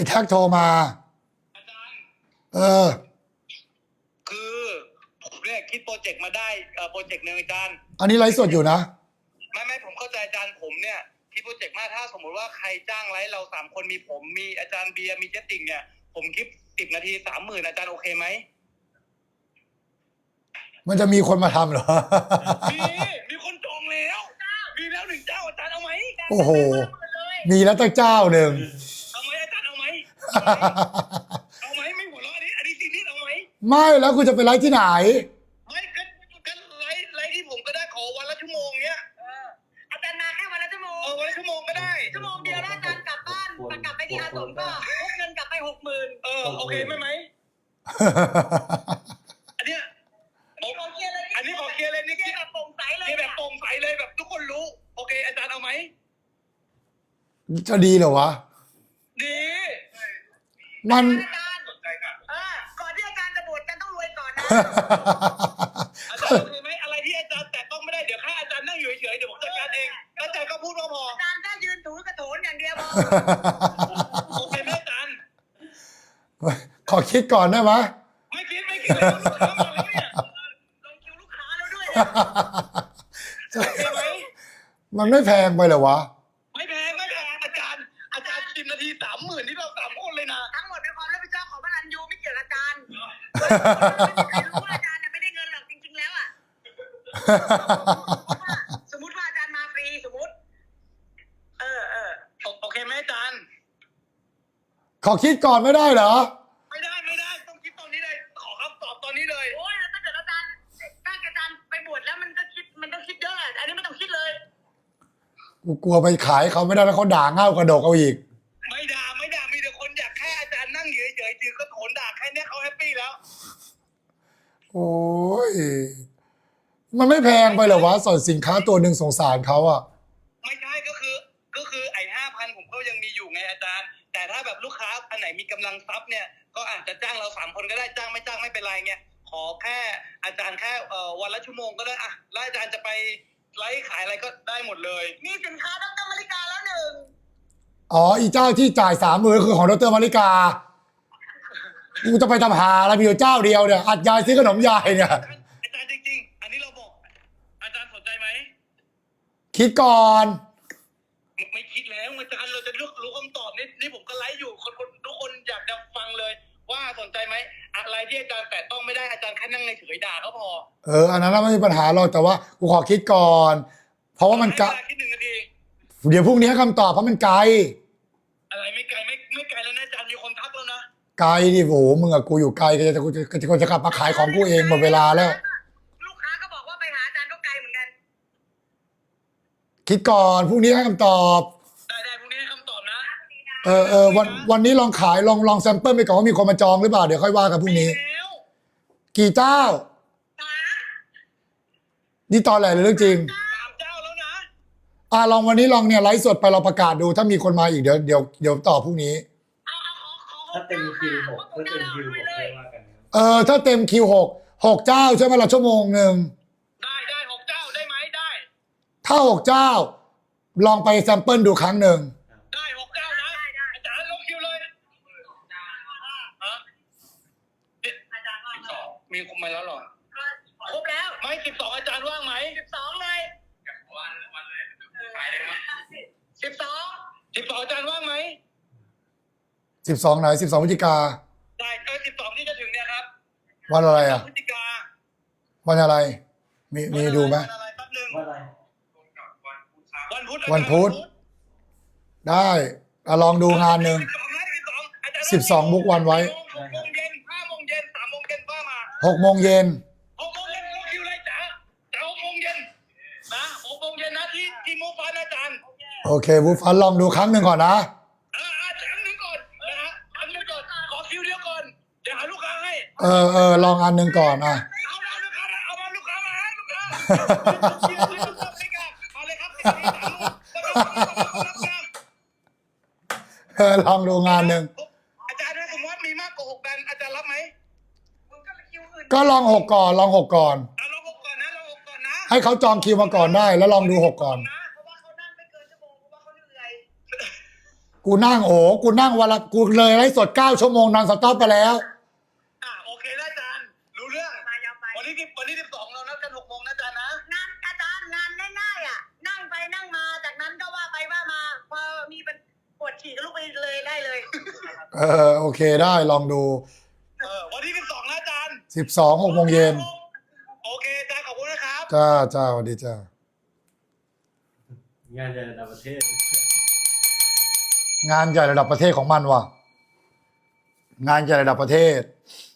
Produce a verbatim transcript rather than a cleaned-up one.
แท็กโทรมาอาจารย์เออคือผมเนี่ยคิดโปรเจกต์มาได้เอ่อโปรเจกต์หนึ่งอาจารย์อันนี้ไลฟ์สดอยู่นะไม่ไม่ผมเข้าใจอาจารย์ผมเนี่ยคิดโปรเจกต์มาถ้าสมมติว่าใครจ้างไลฟ์เราสามคนมีผมมีอาจารย์เบียร์มีเจติ่งเนี่ยผมคิดสิบนาทีสามหมื่นอาจารย์โอเคไหมมันจะมีคนมาทำเหรอมีมีคนจองแล้วมีแล้วหนึ่งเจ้าอาจารย์เอาไหมโอ้โหมีแล้วตั้งเจ้าหนึ่งเอาไหมอาจารย์เอาไหมเอาไหมไม่หัวเราะอันนี้อันนี้จริงนี่เอาไหมไม่แล้วคุณจะไปไลฟ์ที่ไหนไม่ก็ก็ไลฟ์ไลฟ์ที่ผมก็ได้ขอวันละชั่วโมงเนี้ยอาจารย์มาแค่วันละชั่วโมงเออวันละชั่วโมงก็ได้ชั่วโมงเดียวแล้วอาจารย์กลับบ้านกลับไปที่อาสมก็พกเงินกลับไปหกหมื่นเออโอเคไหมไหมอันเนี้ยขอเคลียร์เลยอันนี้ขอเคลียร์เลยนี่เคลียร์แบบโปร่งใสเลยแบบโปร่งใสเลยแบบทุกคนรู้โอเคอาจารย์เอาไหมจะดีเหรอวะดีมันอาจารย์เออก่อนที่อาจารย์จะบวชอาจารย์ต้องรวยก่อนนะอาจารย์โอเคไหมอะไรที่อาจารย์แต่ต้องไม่ได้เดี๋ยวแค่อาจารย์นั่งอยู่เฉยๆเดี๋ยวผมจัดการเองอาจารย์ก็พูดว่าพออาจารย์แค่ยืนถูกระโถนอย่างเดียวพอโอเคไหมอาจารย์ขอคิดก่อนได้ไหมไม่คิดไม่คิดเลยลูกค้ามาแล้วเนี่ยลงคิวลูกค้าแล้วด้วยโอเคไหมมันไม่แพงไปเหรอวะไม่แพงไม่แพงอาจารย์อาจารย์สิบนาทีสามหมื่นที่เราสามคนเลยนะทั้งหมดเป็นความรับผิดชอบของพระรันยูไม่เกี่ยวกับอาจารย์ใครรู้ว่าอาจารย์ไม่ได้เงินหรอกจริงๆแล้วอ่ะสมมติว่าอาจารย์มาฟรีสมมติเออเออโอเคไหมอาจารย์ขอคิดก่อนไม่ได้เหรอไม่ได้ไม่ได้ต้องคิดตอนนี้เลยขอคำตอบตอนนี้เลยโอ้ยถ้าเกิดอาจารย์ถ้าอาจารย์ไปบวชแล้วมันก็คิดมันต้องคิดเยอะอันนี้ไม่ต้องคิดเลยกูกลัวไปขายเขาไม่ได้แล้วเขาด่าเง่ากระดกเอาอีกไม่ด่าไม่ด่ามีแต่คนอยากแค่อาจารย์นั่งเฉยๆถือก็โถนด่าแค่นี้เขาแฮปปี้แล้วโอ้ยมันไม่แพงไปเหรอวะส่วนสินค้าตัวหนึ่งสงสารเขาอะไม่ใช่ก็คือก็คือไอ้ห้าพันผมก็ยังมีอยู่ไงอาจารย์แต่ถ้าแบบลูกค้าอันไหนมีกำลังทรัพย์เนี่ยก็อาจจะจ้างเราสามคนก็ได้จ้างไม่จ้างไม่เป็นไรเงี้ยขอแค่อาจารย์แค่เอ่อวันละชั่วโมงก็ได้อะแล้วอาจารย์จะไปไลฟ์ขายอะไรก็ได้หมดเลยมีสินค้าดรมาริกาแล้วหนึ่งอ๋ออีเจ้าที่จ่ายสามหมื่นคือของดรมาริกากูจะไปทำหาอะไรมีอยู่เจ้าเดียวเนี่ยอัดยายซื้อขนมยายเนี่ยอาจารย์จริงๆอันนี้เราบอกอาจารย์สนใจไหมคิดก่อนไม่คิดแล้วอาจารย์เราจะรู้รู้คำตอบนี่นี่ผมก็ไลฟ์อยู่คนคนทุกคนอยากจะฟังเลยว่าสนใจไหมอะไรที่อาจารย์แต่ต้องไม่ได้อาจารย์แค่นั่งในเฉยด่าก็พอเอออันนั้นไม่มีปัญหาหรอกแต่ว่ากูขอคิดก่อนเพราะว่ามันไกลคิดหนึ่งนาทีเดี๋ยวพรุ่งนี้คำตอบเพราะมันไกลอะไรไม่ไกลไม่ไม่ไกลแล้วนะอาจารย์มีคนทักแล้วนะไกลดิโหมึงกับกูอยู่ไกลก็จะกูจะกูจะกลับมาขายของกูเองหมดเวลาแล้วลูกค้าก็บอกว่าไปหาอาจารย์ก็ไกลเหมือนกันคิดก่อนพรุ่งนี้ให้คำตอบได้ได้พรุ่งนี้ให้คำตอบนะเออเออวันวันนี้ลองขายลองลองแซมเปิลไปก่อนว่ามีคนมาจองหรือเปล่าเดี๋ยวค่อยว่ากันพรุ่งนี้กี่เจ้านี่ตอนไหนเลยเรื่องจริงสามเจ้าแล้วนะอ่าลองวันนี้ลองเนี่ยไลฟ์สดไปเราประกาศดูถ้ามีคนมาอีกเดี๋ยวเดี๋ยวเดี๋ยวต่อพรุ่งนี้ถ้าเต็มคิวหกถ้าเต็มคิวหกได้ว่ากันเออถ้าเต็มคิวหกหกเจ้าใช่ไหมละชั่วโมงหนึ่งได้ได้หกเจ้าได้ไหมได้ถ้าหกเจ้าลองไปแซมเปิลดูครั้งหนึ่งได้หกเจ้านะอาจารย์ลงคิวเลยฮะมีคนมาแล้วหรอครบแล้วไม่สิบสองอาจารย์ว่างไหมสิบสองเลยวันวันเลยขายเลยมั้ยสิบสองสิบสองอาจารย์ว่างไหมสิบสองไหนสิบสองพฤศจิกาได้เออสิบสองที่จะถึงเนี่ยครับวันอะไรอ่ะพฤศจิกาวันอะไรมีมีดูไหมวันอะไรแป๊บนึงวันอะไรวันพุธวันพุธได้ลองดูงานหนึ่งสิบสองบุกวันไว้หกโมงเย็นห้าโมงเย็นสามโมงเย็นป้ามาหกโมงเย็นหกโมงเย็นลงคิวเลยจ้ะแต่หกโมงเย็นนะหกโมงเย็นนะที่ที่มูฟันอาจารย์โอเคมูฟันลองดูครั้งหนึ่งก่อนนะอ่าอ่าครั้งหนึ่งก่อนนะฮะครั้งหนึ่งก่อนขอคิวเดียวก่อนเดี๋ยวหาลูกค้าให้เออเออลองอันหนึ่งก่อนอ่ะเอาเอาลูกค้าเอามาลูกค้ามาลูกค้ามาเลยครับเออลองดูงานหนึ่งอาจารย์ถ้าสมมติมีมากกว่าหกแบรนด์อาจารย์รับไหมก็ลองหกก่อนลองหกก่อนลองหกก่อนนะลองหกก่อนนะให้เขาจองคิวมาก่อนได้แล้วลองดูหกก่อนเพราะว่าเขานั่งไม่เกินชั่วโมงเพราะว่าเขาเหนื่อยกูนั่งโอ้กูนั่งวันละกูเลยไลฟ์สดเก้าชั่วโมงนอนสต็อปไปแล้วอ่าโอเคนะอาจารย์รู้เรื่องไปยาวไปวันที่สิบวันที่สิบสองเรานัดกันหกโมงนะอาจารย์นะงานอาจารย์งานง่ายๆอ่ะ นั่งไปนั่งมาจากนั้นก็ว่าไปว่ามา พอมีเป็นปวดฉี่ก็ลุกไปเลยได้เลยเออโอเคได้ลองดูเออวันที่สิบสองนะอาจารย์สิบสองหกโมงเย็นโอเคอาจารย์ขอบคุณนะครับจ้าจ้าสวัสดีจ้างานใหญ่ระดับประเทศงานใหญ่ระดับประเทศของมันว่ะ งานใหญ่ระดับประเทศ